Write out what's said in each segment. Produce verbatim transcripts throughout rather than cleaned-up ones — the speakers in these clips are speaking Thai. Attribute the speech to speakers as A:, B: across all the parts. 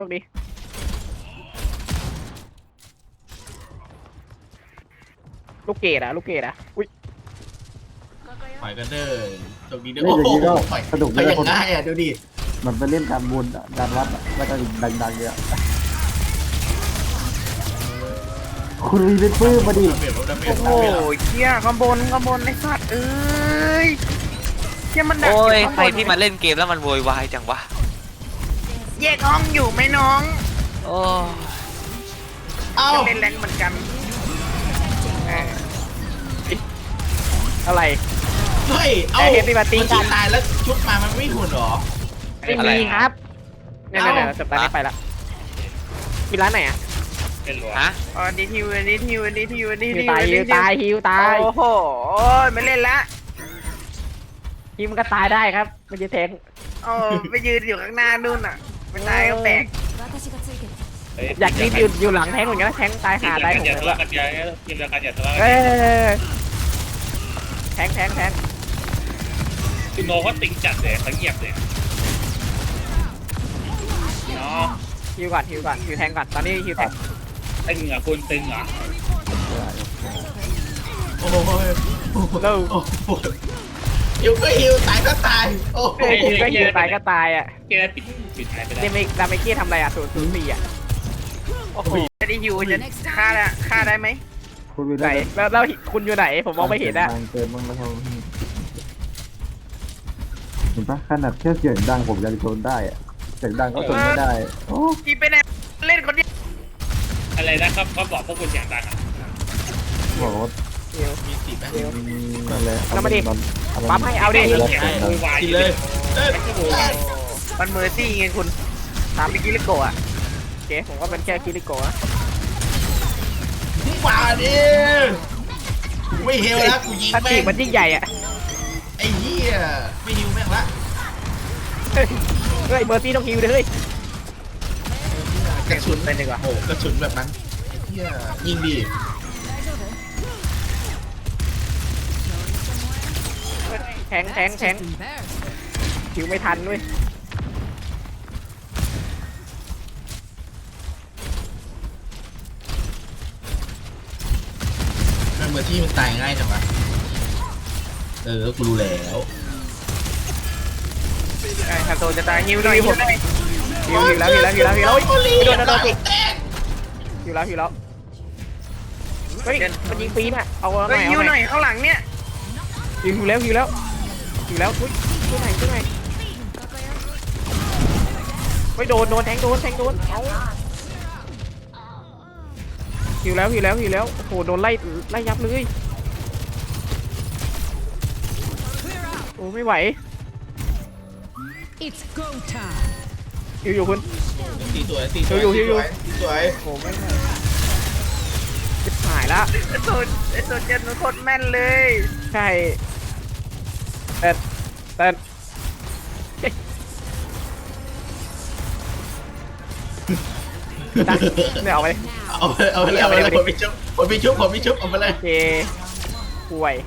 A: คดีลูกเกดอะลูกเกดอะอุ้ย
B: ปล่อยกันเด้อตรงนี้เด้อ
C: เล่นอย่างนี้ก็สนุก
B: ไป
C: เลย
B: อย่าง
C: คน
B: ง่ายอ่ะดูดิ
C: มันไปเล่นการบุญอะการวัดอะแล้วก็ดังๆเนี่ยคุณรีเป็นปื้มมาดิ
B: ดาเมจลดดาเมจ
A: โอ้โห
B: ดาเมจแล้ว
A: เชี่ยข้างบนข้างบนไอ้สัตว์เอ้ยเชี่ยมันดัก
D: โอ้ย
A: ข้าง
D: ใคร
A: บน
D: ที่มาเล่นเกมแล้วมันโวยวายจังวะ
A: แยกห้องอยู่ไหมน้อง
D: โอ้
B: เอ้า
A: เล่นแรงเหมือนกันเอออะไร
B: เฮ้ยเอ้า
A: แต่เห็นปฏิบัติการ
B: มันตายแล้วชุบมามันไม่หุ่นหรอ
A: ไม่มีครับเนี่ยเนี่ยเนี่ยจบตอนนี้ไปละมีร้านไหนอ่ะ
D: ฮะ
A: อ๋อดีทิวดีทิวดีทิวดี
C: ฮิ
A: ทิ
C: ว
A: ว
C: ตายฮิวตายฮิวตาย
A: โอ้โหไม่เล่นละ
C: ฮิวมันก็ตายได้ครับไม่ใช่แทง
A: โอ้ไปยืนอยู่ข้างหน้านู่นอ่ะไม่ตายก็แตก
C: อยากกินอยู่อยู่หลังแทงเหมือนกันนะแทงตายหาได้ผม
E: อย่า
C: เล
E: ทะ
C: ย
E: เลาะกันอย่ากินเดียวกันอย่าทะเลาะ
C: เอ
E: กัน
C: อแทงแทงแทง
E: คือโนเขาติงจัดเลยเขาเงียบเลยเนาะ
C: ฮิวก่อนฮิวก่อนฮิวแทงก่อนตอนนี้ฮิวแทง
E: ตึงเหรอคุณตึงเหรอ
B: โอ้โหโอ้โหโอ้โหฮิวก็ฮิวตายก็ตายโอ้โห
C: เออฮิวก็ฮิวตายก็ตายอ่ะ
E: แกปิดปิดหายไปได้
C: เดมิดาเมกี้ทำอะไรอ่ะศูนย์ศูนย์สี่อ่ะ
A: โอ้โหไม่ได้ฮิวจะฆ่าได้ฆ่าได้ไหม
C: คุณไหนแล้วแล้วคุณอยู่ไหนผมมองไม่เห็นอ่ะ
F: เกินมั้งนะครัเห็นปะขนาดแค่เสียงดังผมยังทนได้อะเสียงดังก็ทนไม่ได้โอ้
A: กีไปไหนเล่นคนเดียว
E: อะไรนะครับเขาบอกพวกคุณอย่างดังอ่ะ
F: บอกว่า
B: มีสิบไหม
F: นั่นแหละ
C: แล้วมาดิ
F: มันมัน
C: ปั๊มให้เอาดิ
B: กินเลยเอ้ย
A: มันเมอร์ซี่ไงคุณตามไปกิลิโกะอ่ะ
C: โอเคผมก็เป็นแค่คิริโกะ
B: มาดิกูไม่เฮลแล้วกูยิง
C: ถ้า
B: แม่
C: ตี
B: ง
C: มันยิ่งใหญ่อ่ะ
B: ไอ้เหี้ยไม่ฮิวแม่งละ
C: เฮ้ยเฮ้ยเมอร์ซี่ต้องฮิวเลยเฮ้ย
B: กระสุน
A: ไปดีกว่า
B: โอ้โหกระสุนแบบนั้นไอ้เหี้ยยิงดิ
C: แทงแทงแทงฮิวไม่ทันด้วย
B: มันเมื่อที่มันตายง่ายจังวะเออกูรู้แล้ว
A: ไอ้คาโตจะตายฮิวหน่อยฮิวหน่อย
C: ฮิวฮิวแล้วฮิวแล้วฮิวแล้วฮิวแล้ว
B: โอ้ย
C: โดนโดนโดน
B: แตก
C: ฮิวแล้วฮิวแล้วเฮ้ยมันยิงปีนอ่ะเอาหน่
A: เฮ้
C: อย ย
A: ฮิว
C: เอา
A: ห
C: ห
A: น่
C: น่
A: อ
C: อย
A: ยข้างหลังเนี่ย
C: ฮิวฮิวแล้วฮิวแล้วฮิวแล้วอุ้ยช่วยหน่อยช่วยหน่อยเฮ้ยโดนโดนแทงโดนแทงโดนเอาฮิวแล้วฮิวแล้วฮิวแล้วโอ้โหโดนไล่ไล่ยับเลยโอ้ไม่ไหว
G: It's go time.
C: ฮิวอยู่คุณ
B: ตีสวยตีสวย
C: อยู่อยู่อยู่
B: ตีสวย
C: โอ้ไม่ไหวจิบหายละ
A: ไอ้โซนไอ้โซนเจนมันโคตรแม่นเลย
C: ใช่เต้นเต้นเนี่ยเอาไป
B: เอาไปเอาไปเลยเอาไปเลยผมมีชุบผมมีชุบผมมีชุบเอาไปเลย
C: โอเคป่วย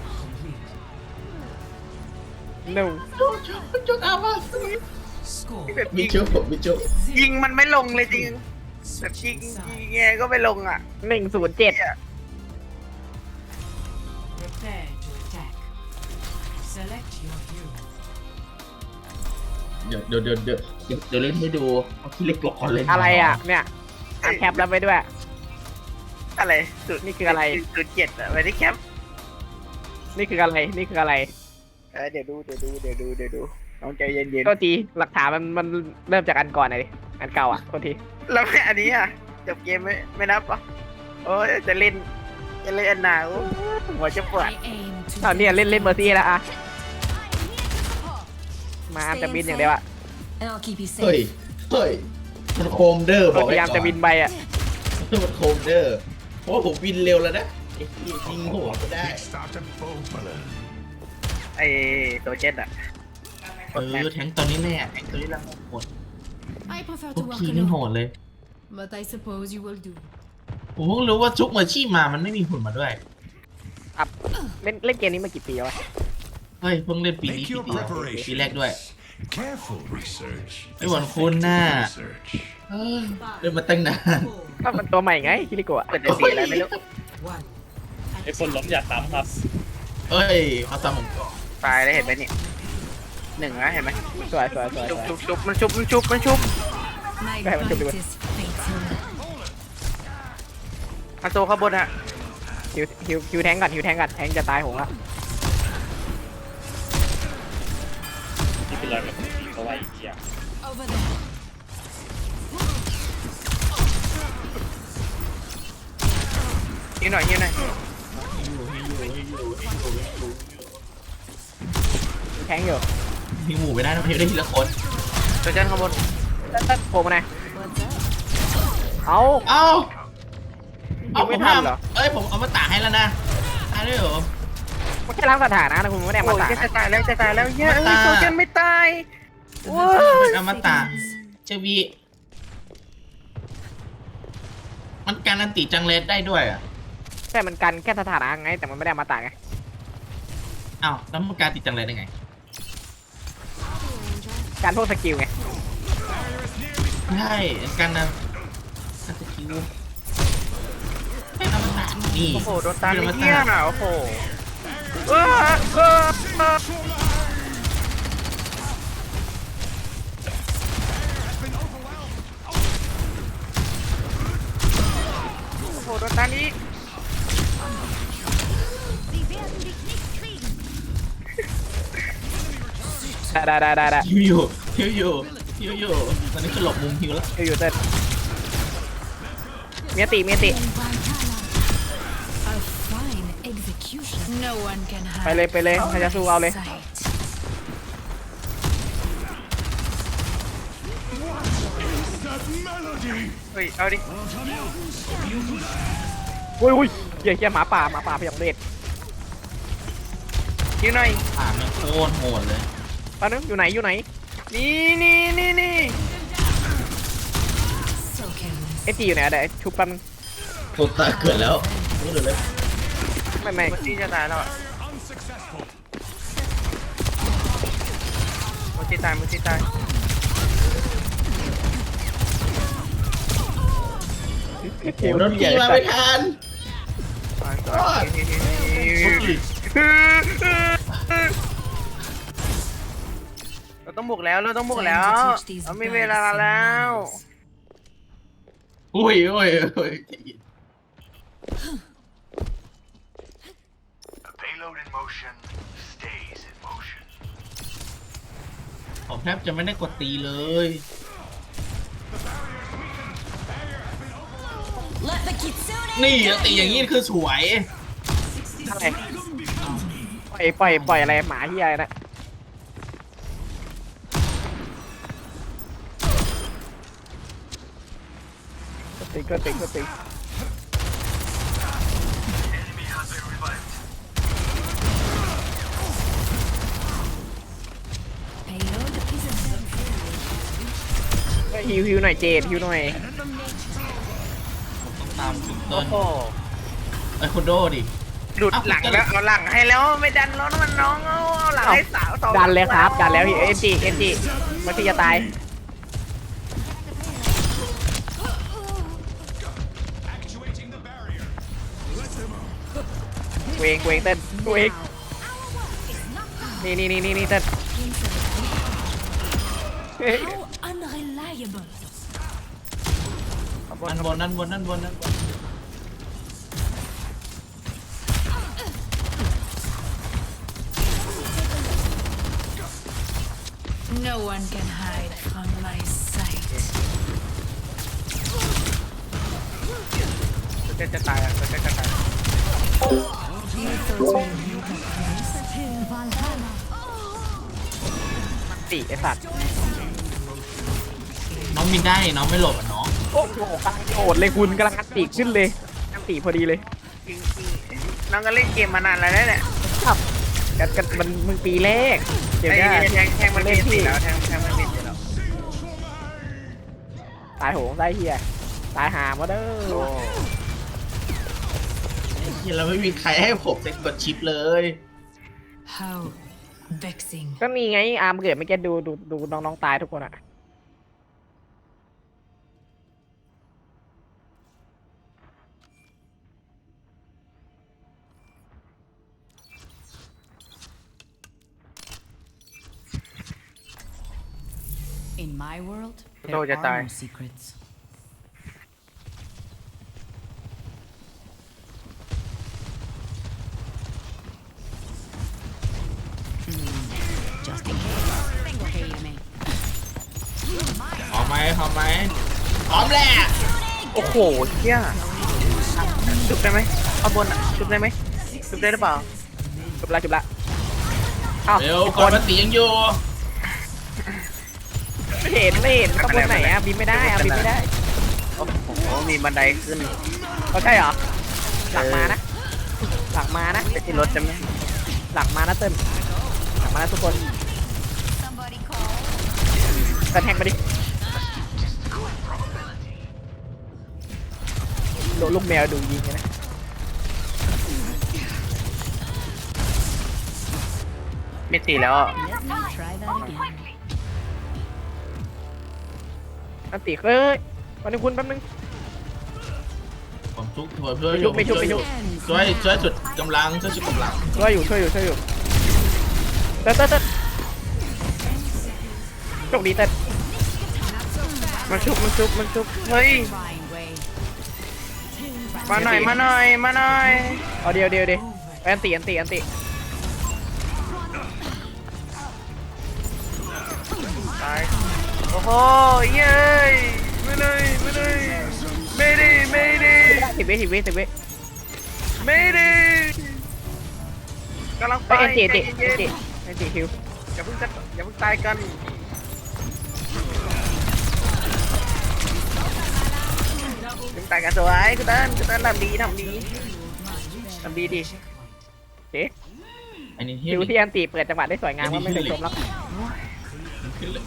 C: หนึ่ง
B: ชุบชุบชุบเอามา
A: แบบ
B: มี
A: ยิง
B: ชุบผมมีชุบ
A: ยิงมันไม่ลงเลยจริงแบบยิงยิงไงก็ไม่ลงอ่ะ
C: หนึ่งศูนย์เจ็ด
G: Prepare to attack. Select your hero.
B: เดี๋ยวเดี๋ยวเดี๋ยวเดี๋ยวเดี๋ยวเดี๋ยวเล่นให้ดูเอาที่เล็กก่อนเลย
C: อะไรอ่ะเนี่ยอ่านแคปแล้วไปด้วย
A: อะไรสุด
C: นี่คืออะไร
A: สุดเจ็ดอะไปที่แคป
C: นี่คืออะไรนี่คืออะไร
A: เออเดี๋ยวดูเดี๋ยวดูเดี๋ยวดูเดี๋ยวดูน้องใจเย็น
C: ก็ทีหลักฐานมันมันเริ่มจากอันก่อนเลยดิอันเก่าอ่ะก็ที
A: ๆแล้วไม่อันนี้อ่ะจบเกมไม่ไม่นับเหรอโอ้ยจะเล่นจะเล่นอันหนาวหัวจะปวด
G: I aim to
C: ตอนนี้เล่นเล่นเมอร์ซี่แล้วอ่ะมาอันจะบินอย่างเดียวอ่ะ
G: and I'll keep you
B: เฮ้ย
G: safe.
B: เฮ้ยมันโคมเดอร์บ
C: ก็
B: อก
C: พ
B: ไว้
C: ยายาม
B: ก่อน
C: จะบินไปอ่ะ
B: มันโคมเดอร์เพราะว่าผมบินเร็วแล้วนะไอ้ที่ยิงหัวก็ได้
A: ไอ้ตัวเจ็ดอ่ะ
B: เออแทงตอนนี้แน่แทงตอนนี้ละหมด
G: I prefer
B: ทุ
G: to
B: ก
G: work
B: ทีนี่โห
G: alone,
B: ดเลย
G: but I suppose you will do.
B: ผมเพิ่งรู้ว่าจุกเมอร์ชี่มามันไม่มีหุ่นมาด้วย
C: อัพเล่นเล่นเกมนี้มากี่ปีแล้ววะ
B: เฮ้ยเพิ่งเล่นปีนี้
H: Make
B: ปี
H: your
B: เดียว
H: preparations.
B: ปีแรกด้วย
H: Careful research.
B: ไม่เหมือนคุณน่ะ
H: Research.
B: เอเฮ้ยเดินมาตั้งนาน
C: ก็มันตัวใหม่ไงคิริโกะ
A: เปิดจะสีอะไรไม่รู้
G: One.
E: ไอ้คนล้มอย่าซ้ำครับ
B: เอ้ยเขาซ้ำผมก่อน
A: ตายแล้วเห็นไหมนี่หนึ่งนะเห็นไหม
C: สวยสวยสวย
A: ชุบ
C: สวย
A: ชุบชุบมันชุบมันชุบมันชุบ
G: My
C: Go ahead, let's do
G: bite
C: it.
G: is fatal.
A: มาโซข้างบนฮะ
C: ฮิวฮิวฮิวแทงก่อนฮิวแทงก่อนแทงจะตายโหงละ
E: ที่เป็นรอยแบบนี้เขาไว้อีกอย่าง
G: Over there.
A: ยิงหน่อยยิงหน่อย
C: แทงอยู่
B: มีหมูไม่ได้นะเพียงได้ทีละคน
A: ตัวจันข้างบน
C: ตัดตัดโผล่มาหน่อยเอา
B: เอ้า
C: ยิงไม่ทันเหรอ
B: เอ้ยผมเอามาตากให้แล้วนะตายด้วยเหรอ
C: มันแค่ล้างสถานะนะคุณไม่ได้เอา
A: โอ้
C: มาย ตาก
A: จะ
C: นะ
A: ตายแล้วจะตายแล้วเย้ย
B: มาตาย
A: ตัวจันไม่ตายว้า
B: เป็นอมตะเชวีมันการันตีจังเลสได้ด้วยอ่ะ
C: แต่มันกันแค่สถานะไงแต่มันไม่ได้เอามาตากไง
B: อ้าวแล้วมันการติดจังเลสได้ไง
C: การพวกสกิลไง
B: ใช่การนะการสกิลไม่อมตะนี่
A: โอ้โหโดนตาย
B: อ
A: เลย
B: ม
A: เหี้ย
B: ตะ
A: น่ะโอ้โหเออเออเออโอ้โหโดนตายนี้
C: ได้ได้ได้ได้ได้
B: ฮิวอยู่ฮิวอยู่ฮิวอยู่ตอนนี้คือหลบมุมฮิวแล้ว
C: ฮิวอยู่เต้นเมียติเมียติ
G: A fine execution. No one can
C: ไป
G: hide.
C: เลยไปเลยใครจะสู้เอาเลย
G: Sight.
A: เฮ้ยเอาดิ
C: อุ้ยอุ้ยเหี้ยเหี้ยหมาป่าหมาป่าพยองเดช
A: ยิงหน่อย
B: อ่ามันโคตรโหดเลย
C: ตอนนึงอยู่ไหนอยู่ไหน
A: นี่นี่นี่นี่
G: So careless.
C: เอจีอยู่ไหนอะเดี๋ยวชุบแป๊บนึง
B: โคตรตาเกิดแล้วรู้เลยเลย
C: ไม่ไม่
A: มันที่จะตายแล้วอ่ะมันที่ตายมันที่ตาย
B: โอ้โหโดนตีมาไม่ทัน รอด
A: เราต้องบุกแล้วเราต้องบุกแล้วเราไม่มีเวลาแล้ว
B: อุ้ยอุ้ยอุ้ย
H: Payload in motion stays in motion.
B: ผมแทบจะไม่ได้กดตีเลย
G: Let the kitsune.
B: นี่ตีอย่างนี้คือสวย
C: อะไรปล่อยปล่อยปล่อยอะไรหมาที่อะไรนะก็ติงก็ติงก็ติง
H: Enemy has been revived.
G: Payload is a
C: ก็ฮิวฮิวหน่อยเจดฮิวหน่อย
B: ผมต้องตามถึง
A: โอ้
B: ต้น
A: โห
B: ไอ้คุณโดดิ
A: หลุดหลังแล้วเอาหลังให้แล้วไม่ดันแล้วมันน้องเอาเอาหลังให้สาวสอง
C: ดันเลยครับดันแล้วเอ็มจีเอ็มจีมันที่จะตายเวงเวงเต้นเวงนี่นี่นี่นี่นี่เต้นเฮ้ย
G: how unreliable.
B: นั่นบนนั่นบนนั่นบนนั่นบน
G: No one can hide from my sight.
A: ตัวจะจะตายอ่ะตัวจะจะตาย
C: สี่ไอสัตว์
B: น้องมินได้น้องไม่หลบอ่ะน้อง
C: โอ้โหกำลังโกรธเลยคุณกำลังอันตีขึ้นเลยอันตีพอดีเลย
A: จริงจริงๆน้องก็เล่นเกมมานานแล้วนะเนี่ย
C: ครับกันกันมันมึงปีแรกเดี๋ยว
A: ไอ้
C: นี้
A: แทงแทงมันมีสิแล้วแทงแทงมันมีสิแล้ว
C: ตายโหงได้เฮียตายหามาเด้
A: โอ้
C: อ
B: ไอ้เหี้ยเราไม่มีใครให้ผมเซ็กกดชิปเลย
G: How vexing.
C: ก็มีไงอาร์มเกิดไม่แกดูดูดูน้องๆตายทุกคนอะ
G: my world,
A: Tôi
G: there
A: cho tài.
G: are no secrets. Just in case. Tengo que irme.
B: พร้อมไหมพร้อมไหมพร้อมแหละ
A: โอ้โหเชี่ยจุบได้ไหมข้างบนอ่ะจุบได้ไหมจุบได้หรือเปล่า
C: จบละจบละเอ้า
B: เร็ว
C: ทุก
B: ก่
C: ค
B: อน
C: น
B: มันตียังอยู่
C: ไม่เห็นไม่เห็นข้างบนไหนอะบินไม่ได้อะบินไม่ได้
A: โอ้โหมีบันไดขึ้น
C: เขาใช่เหรอหลังมานะหลังมานะ
A: ไปที่รถจะไหม
C: หลังมานะเติ้ลหลังมานะทุกคน
G: Somebody call.
C: เติ้ลแทงไปดิโดนลูกแมวดูยิงเลยนะ
A: ไม่ตีแล้วอ่ะ
G: Let me try that again.
C: อันติเอ้ยวันนี้คุณแป๊บนึง
B: ผมทุกช่วยช่วย
C: ไม่ชุบไม่ชุบไม่ชุบ
B: ช่วยช่วยสุดกำลังช่วยสุดกำลัง
C: ช่วยอยู่ช่วยอยู่ช่วยอยู่เติ้ลเติ้ลเติ้ลโชคดีเติ้ล
A: มันชุบมันชุบมันชุบเฮ้ย
G: Fine way.
A: มาหน่อยมาหน่อยมาหน่อย
C: เอาเดียวเดียวเดียวอันติอันติอันติ
A: ตายโอ้โหเย้ยไม่เลยไม่เลยไม่ดีไม่ดี
C: สิบวิสิบวิสิบวิ
A: ไม่ดีกำลังไป
C: ไปเอ็นจิเอ็นจิ
A: ใจ
C: เอ็น
A: เย็
C: จิ
A: น
C: เอ็นจิคิว
A: ๆอย่าเพิ่งจะอย่าเพิ่งตายกันเพิ่งตายกันสวยคุณตันคุณตันทำดีทำดีทำดีดี
C: เอ๊ะ
B: อันนี้ที่
C: คิวที่อันติเปิดจังหวะได้สวยงามว่าไม่เคยชมแล้ว
B: ขึ้นเลย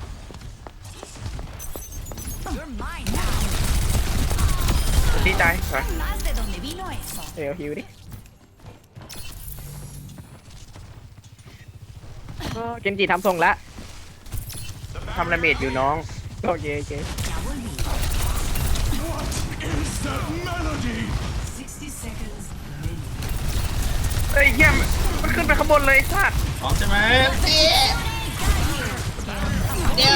G: You're mine now.
A: ดีใจสวย
G: Más de donde vino eso.
C: เดี๋ยวฮิวดิก็เกนจิทำทรงแล้ว
A: ทำระเบิดอยู่น้อง
C: โอเคโอเค
G: Sixty seconds.
A: เฮ้ยเยี่ยมมันขึ้นไปข้างบนเลยไอ้สัตว์
B: พร้อมใช่ไหมตีเดี๋ยว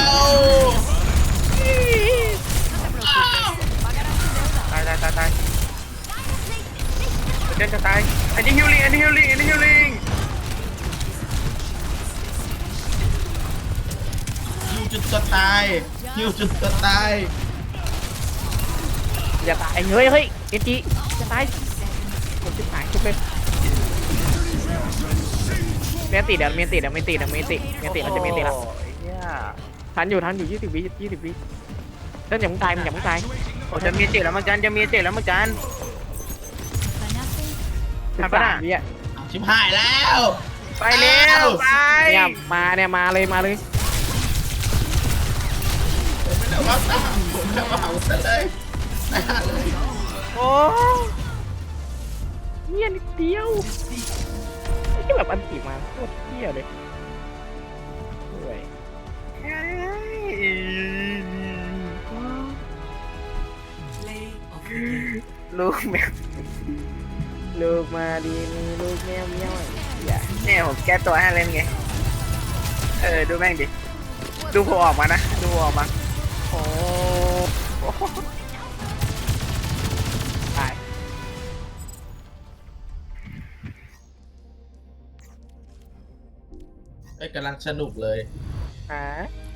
A: ตายตายตายตายเดินจะตายอันนี้ฮิลลิ่งอันนี้ฮิลลิ่งอันนี้ฮิลลิ่ง
B: ฮิวจุดตัวตายฮิวจุดตัวตาย
C: อย่าตายเฮ้ยเฮ้ยเกนจิจะตายผมจะหายชุบเลยเมียนติเดี๋ยวเมียนติเดี๋ยวไม่ติเดี๋ยวไม่ติเมียนติเราจะเมียนติละ
A: โอ้ยเหี้ย
C: ทันอยู่ทันอยู่ยี่สิบวิยี่สิบวิเต้นอย่ามึงตายมึงอย่ามึงตาย
A: โอ้จะมีเจ็ดแล้วเหมือนกันจะมีเจ็ดแล้วเหมือนกัน
C: สิบ
A: ทำปะ
C: สา
A: น่ะ
C: มวิอ่ะ
B: ชิบหายแล้ว
A: ไปเร็วไป
C: เนี่ยมาเนี่ยมาเลยมาเลย
B: ผมไม่ได้ว่าตามผมไม่ได้ว่าเอาซะเลยนะเลย
A: โอ้
C: เนี่ยนิดเดียวไม่ใช่แบบอันติมาโคตรเที่ยเลยโอ้ย
A: ลูกแมว
C: ลูกมาดีมีลูกแมวเมี้ยวอย่า
A: เนี่ยผมแก้ตัวให้เล่นไงเออดูแม่งดิดูผมออกมานะดูผมออกมาโอ้โห
C: ตาย
B: ไอ้ยกำลังสนุกเลย
C: อ่า